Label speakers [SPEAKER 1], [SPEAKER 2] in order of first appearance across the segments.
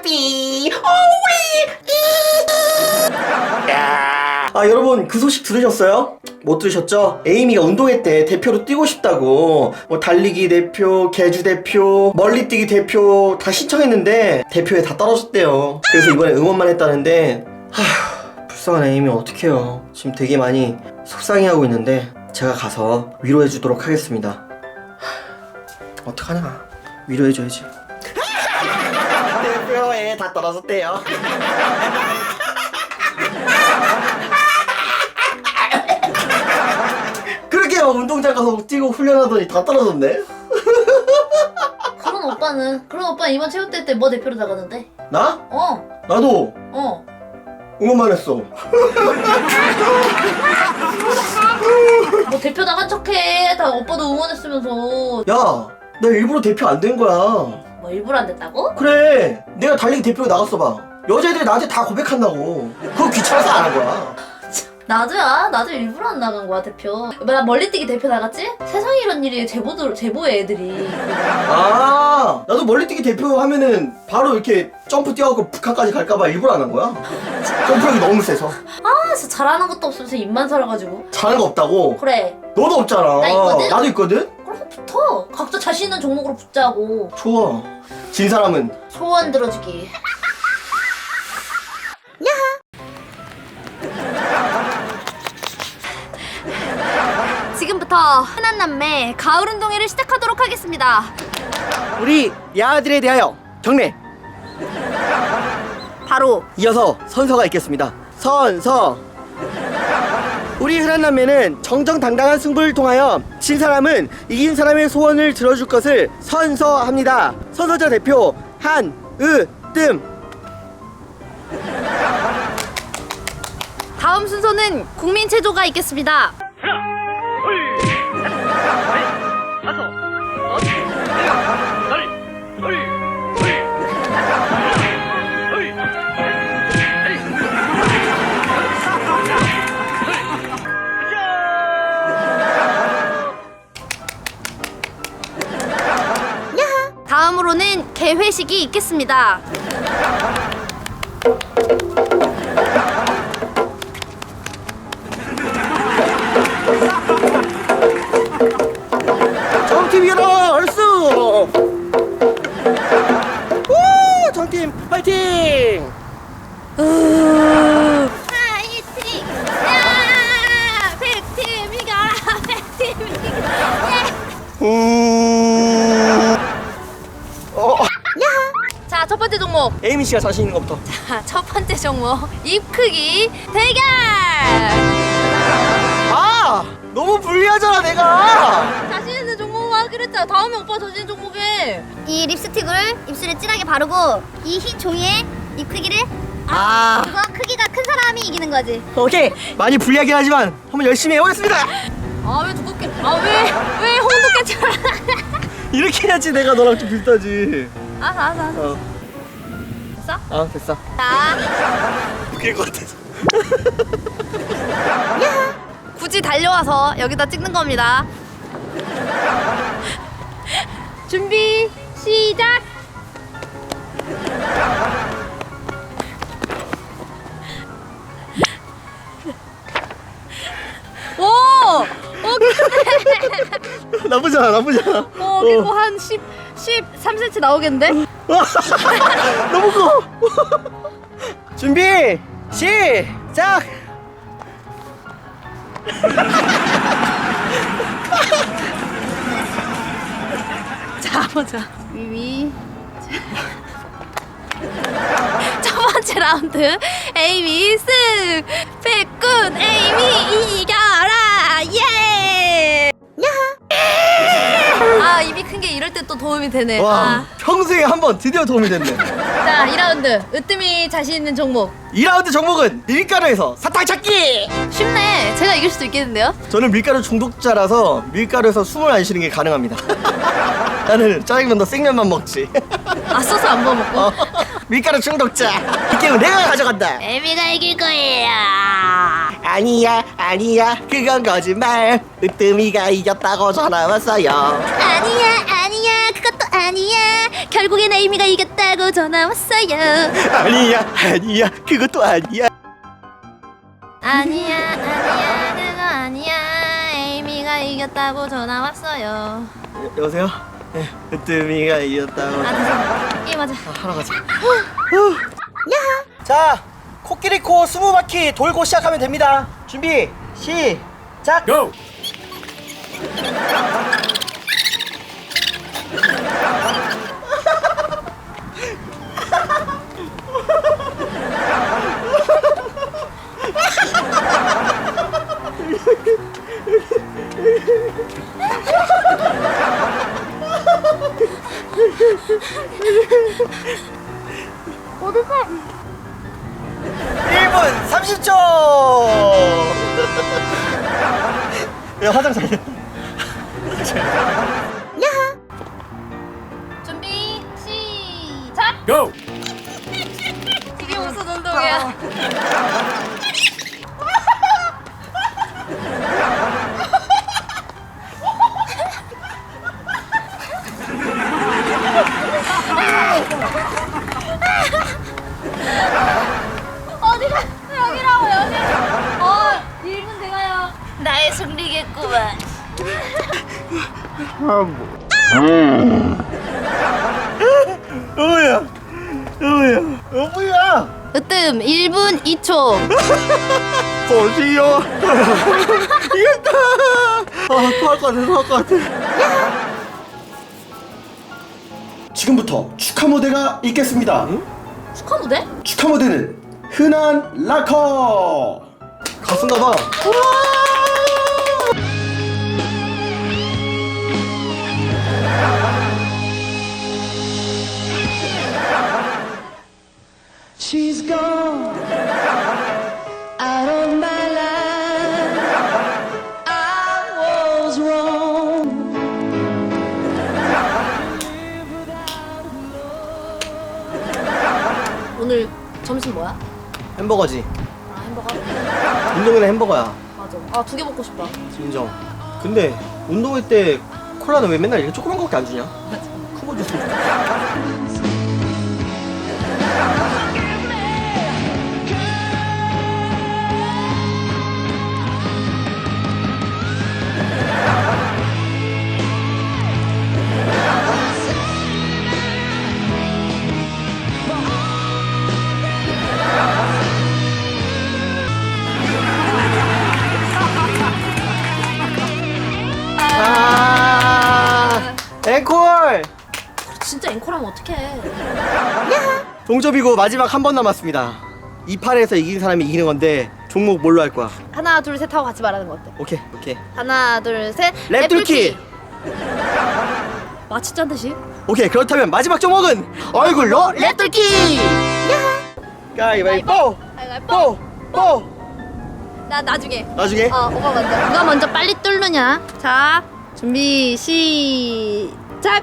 [SPEAKER 1] 삐 오위. 여러분 그 소식 들으셨어요? 못 들으셨죠? 에이미가 운동회 때 대표로 뛰고 싶다고 뭐 달리기 대표, 계주 대표, 멀리뛰기 대표 다 신청했는데 대표에 다 떨어졌대요. 그래서 이번에 응원만 했다는데 불쌍한 에이미 어떡해요. 지금 되게 많이 속상해하고 있는데 제가 가서 위로해주도록 하겠습니다. 어떡하나, 위로해줘야지. 대표에 다 떨어졌대요. 그렇게 운동장 가서 뛰고 훈련하더니 다 떨어졌네.
[SPEAKER 2] 그런 오빠는 이번 체육대회 때 뭐 대표로 나가는데?
[SPEAKER 1] 나?
[SPEAKER 2] 어.
[SPEAKER 1] 나도
[SPEAKER 2] 어.
[SPEAKER 1] 응원만 했어.
[SPEAKER 2] 뭐 대표 나간 척해. 다 오빠도 응원했으면서.
[SPEAKER 1] 야, 나 일부러 대표 안 된 거야.
[SPEAKER 2] 뭐 일부러 안 됐다고?
[SPEAKER 1] 그래, 내가 달리기 대표로 나갔어 봐. 여자애들이 나한테 다 고백한다고. 그거 귀찮아서 안 한 거야.
[SPEAKER 2] 나도 일부러 안 나간 거야 대표. 나 멀리뛰기 대표 나갔지? 세상에 이런 일이 제보해 애들이.
[SPEAKER 1] 아, 나도 멀리뛰기 대표 하면은 바로 이렇게 점프 뛰어갖고 북한까지 갈까봐 일부러 안 한 거야. 점프력이 너무 세서.
[SPEAKER 2] 아 진짜 잘하는 것도 없으면서 입만 살아가지고.
[SPEAKER 1] 잘하는 거 없다고?
[SPEAKER 2] 그래.
[SPEAKER 1] 너도 없잖아.
[SPEAKER 2] 나 있거든?
[SPEAKER 1] 나도 있거든?
[SPEAKER 2] 그럼 붙어. 각자 자신 있는 종목으로 붙자고.
[SPEAKER 1] 좋아. 진 사람은
[SPEAKER 2] 소원 들어주기.
[SPEAKER 3] 지금부터 흔한 남매 가을 운동회를 시작하도록 하겠습니다.
[SPEAKER 1] 우리 야아들에 대하여 경례.
[SPEAKER 3] 바로
[SPEAKER 1] 이어서 선서가 있겠습니다. 선서. 우리 흔한 남매는 정정당당한 승부를 통하여 진 사람은 이긴 사람의 소원을 들어줄 것을 선서합니다. 선서자 대표 한으뜸.
[SPEAKER 3] 다음 순서는 국민 체조가 있겠습니다. 다음으로는 개회식이 있겠습니다.
[SPEAKER 1] 정팀 일어나 얼쑤. 우 정팀 파이팅.
[SPEAKER 3] 파이팅! 야! 100팀 이겨라! 100팀 이겨라! 자, 첫 번째 종목.
[SPEAKER 1] 에이미 씨가 자신 있는 것부터.
[SPEAKER 3] 자, 첫 번째 종목. 입 크기 대결!
[SPEAKER 1] 아, 너무 불리하잖아 내가.
[SPEAKER 3] 자신 있는 종목 하기로 했잖아. 다음에 오빠 자신 있는 종목에. 이 립스틱을 입술에 진하게 바르고 이 흰 종이에 입 크기를 그거 크기가 큰 사람이 이기는 거지.
[SPEAKER 1] 오케이. 많이 불리하긴 하지만 한번 열심히 해보겠습니다.
[SPEAKER 3] 아, 왜 두껍게? 왜 홍두깨처럼?
[SPEAKER 1] 이렇게 해야지 내가 너랑 좀 비슷하지.
[SPEAKER 3] 알았어. 됐어?
[SPEAKER 1] 됐어.
[SPEAKER 3] 자,
[SPEAKER 1] 웃길 것 같아서.
[SPEAKER 3] 굳이 달려와서 여기다 찍는 겁니다. 준비, 시작! 오!
[SPEAKER 1] 나쁘잖아.
[SPEAKER 3] 그리고 한 13cm 나오겠는데?
[SPEAKER 1] 너무 커. 준비 시작.
[SPEAKER 3] 자, 보자. 위위. 첫 번째 라운드 에이미 승! 백군 에이미 이겨라! 예! 아, 입이 큰 게 이럴 때 또 도움이 되네.
[SPEAKER 1] 와, 평생에 한 번 드디어 도움이 됐네.
[SPEAKER 3] 자, 2라운드 으뜸이 자신 있는 종목.
[SPEAKER 1] 2라운드 종목은 밀가루에서 사탕 찾기.
[SPEAKER 3] 쉽네. 제가 이길 수도 있겠는데요?
[SPEAKER 1] 저는 밀가루 중독자라서 밀가루에서 숨을 안 쉬는 게 가능합니다. 나는 짜장면도 생면만 먹지.
[SPEAKER 3] 아, 소스 안 부어 먹고.
[SPEAKER 1] 밀가루 중독자. 이 게임은 내가 가져간다.
[SPEAKER 3] 에이미가 이길 거예요.
[SPEAKER 1] 아니야 그건 거짓말. 으뜸이가 이겼다고 전화 왔어요.
[SPEAKER 3] 아니야, 그것도 아니야. 결국엔 에이미가 이겼다고. 이겼다고 전화 왔어요.
[SPEAKER 1] 아니야 그것도 아니야.
[SPEAKER 3] 아니야 그거 아니야. 에이미가 이겼다고 전화 왔어요.
[SPEAKER 1] 여보세요? 네, 으뜸이가 이겼다고.
[SPEAKER 3] 게임하자.
[SPEAKER 1] 하러 가자. 자, 코끼리코 20바퀴 돌고 시작하면 됩니다. 준비, 시작!
[SPEAKER 4] Go!
[SPEAKER 3] 어디서?
[SPEAKER 1] 1분 30초! 야, 화장 잘 돼.
[SPEAKER 3] 준비 시작.
[SPEAKER 4] Go!
[SPEAKER 3] 이게 무슨 운동이야? 어디가? 여기라고 여기. 1분 돼가요. 나의 승리겠구만.
[SPEAKER 1] 여보야!
[SPEAKER 3] 으뜸 1분 2초.
[SPEAKER 1] 보시오! 이겼다! 토할 것 같아. 지금부터 축하 무대가 있겠습니다.
[SPEAKER 2] 축하 무대?
[SPEAKER 1] 축하 무대는 흔한 락커! 가수인가봐.
[SPEAKER 5] She's gone out of my life. I was wrong.
[SPEAKER 2] 오늘 점심 뭐야?
[SPEAKER 1] 햄버거지.
[SPEAKER 2] 아 햄버거?
[SPEAKER 1] 운동회는 햄버거야.
[SPEAKER 2] 맞아. 아 2개 먹고 싶다.
[SPEAKER 1] 인정. 근데 운동회 때 콜라는 왜 맨날 이렇게 조그만 거밖에 안 주냐? 큰 거 줬으면 좋겠다. 앵콜!
[SPEAKER 2] 진짜 앵콜하면 어떡해.
[SPEAKER 1] 동점이고 마지막 한 번 남았습니다. 이 판에서 이긴 사람이 이기는 건데 종목 뭘로 할 거야?
[SPEAKER 2] 하나 둘 셋 하고 같이 말하는 거 어때?
[SPEAKER 1] 오케이.
[SPEAKER 2] 하나 둘 셋.
[SPEAKER 1] 랩뚫기!
[SPEAKER 2] 마치 짠 듯이.
[SPEAKER 1] 오케이, 그렇다면 마지막 종목은 얼굴로 랩뚫기! 가위바위보!
[SPEAKER 2] 가위바위보.
[SPEAKER 1] 뽀!
[SPEAKER 2] 나 나중에.
[SPEAKER 1] 나중에?
[SPEAKER 2] 오빠 먼저. 누가 먼저 빨리 뚫느냐? 자, 준비 시작.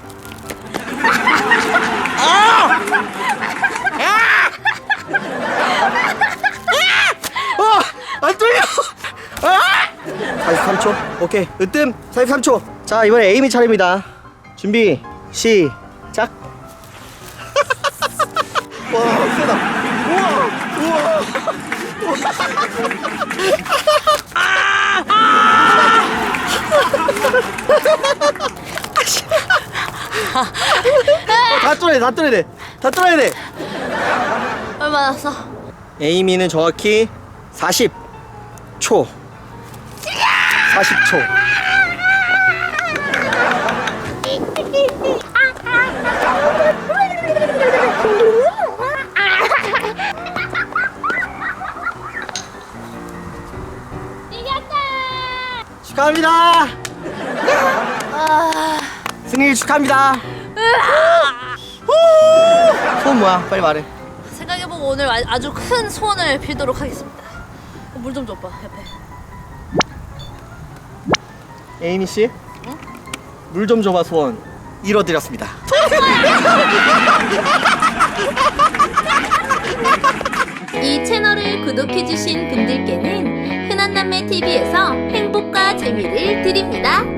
[SPEAKER 1] 안 뚫려! 43초? 오케이, 으뜸 43초. 자, 이번에 에이미 차례입니다. 준비 시작. 와, 세다. 우와. 다 뚫어야 돼.
[SPEAKER 2] 얼마 남았어?
[SPEAKER 1] 에이미는 정확히 40초. 40초. 축하합니다. 승리 축하합니다. 소원 뭐야? 빨리 말해.
[SPEAKER 2] 생각해보고 오늘 아주 큰 소원을 빌도록 하겠습니다. 물 좀 줘, 오빠 옆에.
[SPEAKER 1] 에이미 씨, 물 좀 줘봐 소원 이뤄드렸습니다.
[SPEAKER 3] 이 채널을 구독해주신 분들께는 흔한남매TV에서 행복과 재미를 드립니다.